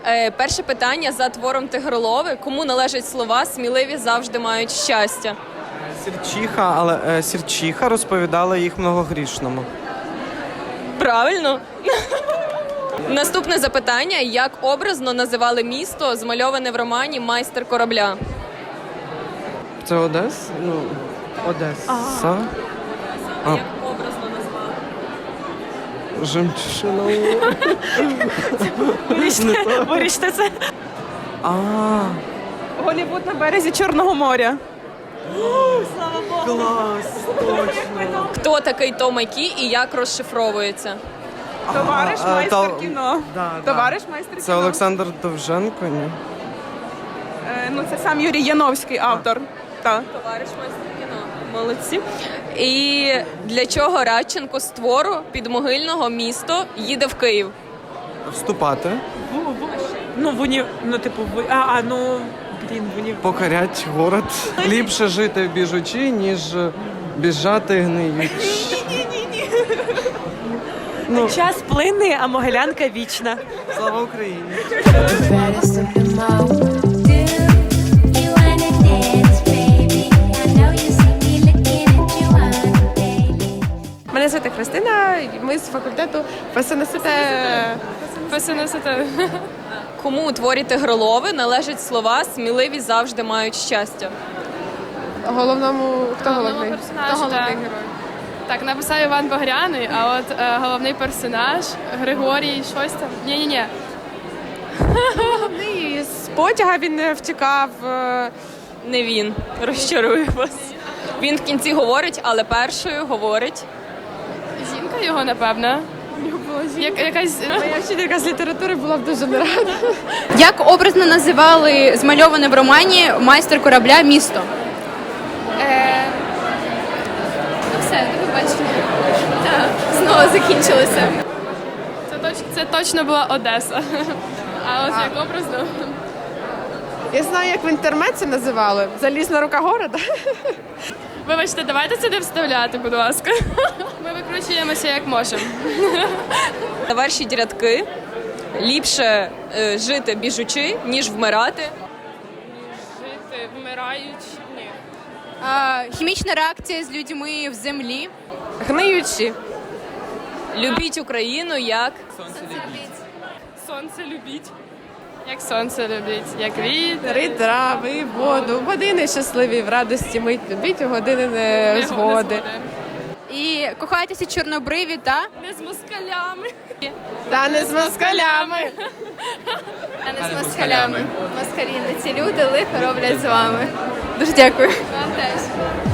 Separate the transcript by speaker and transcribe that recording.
Speaker 1: Перше питання за твором Тигролови. Кому належать слова «сміливі завжди мають щастя»?
Speaker 2: Сірчиха, але Сірчиха розповідала їх многогрішному.
Speaker 1: Правильно. Наступне запитання. Як образно називали місто, змальоване в романі «Майстер корабля»?
Speaker 2: Це Одеса? Ну, Одеса.
Speaker 1: Як образно назвали?
Speaker 2: Жемчужина.
Speaker 3: Виріште це. Голлівуд на березі Чорного моря.
Speaker 2: Клас, точно.
Speaker 1: Хто такий Том Акі і як розшифровується?
Speaker 3: Товариш майстер кіно.
Speaker 2: Да.
Speaker 3: Товариш майстер
Speaker 2: Це
Speaker 3: кіно.
Speaker 2: Олександр Довженко, ні?
Speaker 3: Ну, це сам Юрій Яновський, автор. Так.
Speaker 1: Товариш майстер кіно. Молодці. І для чого Радченко з твору «Підмогильного місто» їде в Київ?
Speaker 2: Вступати, покорять город. Ліпше жити в біжучі, ніж біжати гниючи.
Speaker 3: Час плине, а Могилянка вічна.
Speaker 2: Слава Україні!
Speaker 4: Baddest of them all. Do you wanna dance, baby? I know you see me looking at you on daily.
Speaker 5: Мене звати Христина, ми з факультету ФСНСТ.
Speaker 1: Кому у творі Тигролови належать слова «сміливі завжди мають щастя»?
Speaker 5: Головному, хто головний?
Speaker 6: персонажу,
Speaker 5: Хто головний
Speaker 6: так.
Speaker 5: герой?
Speaker 6: Так, написав Іван Багряний, а от головний персонаж Григорій щось там. Ні.
Speaker 5: І з потяга він втікав.
Speaker 1: Не він. Розчарую вас. Він в кінці говорить, але першою говорить.
Speaker 6: Жінка його, напевно. Якась
Speaker 5: Моя вчителька з літератури була б дуже не рада.
Speaker 7: Як образно називали змальоване в романі «Майстер корабля» місто?
Speaker 6: все, до побачення. Так, знову закінчилося. Це точно була Одеса. А ось як образно.
Speaker 5: Я знаю, як в інтернеті називали. Залізна рука города.
Speaker 6: Вибачте, давайте це не вставляти, будь ласка. Ми викручуємося як можемо.
Speaker 1: Завершіть рядки. Ліпше жити біжучи, ніж вмирати.
Speaker 6: Жити, вмираючи. Ні.
Speaker 7: Хімічна реакція з людьми в землі.
Speaker 5: Гниючі.
Speaker 1: Любіть Україну як...
Speaker 6: Сонце любіть. Як сонце любіть, як вітер.
Speaker 5: Дари трави, воду. Години щасливі, в радості мить. Любіть у години незгоди.
Speaker 7: І кохайтеся чорнобриві та...
Speaker 6: Не з москалями.
Speaker 5: Та не з москалями.
Speaker 7: А не з москалями. Москалі не ці люди лихо роблять з вами. Дуже дякую.
Speaker 6: Вам теж.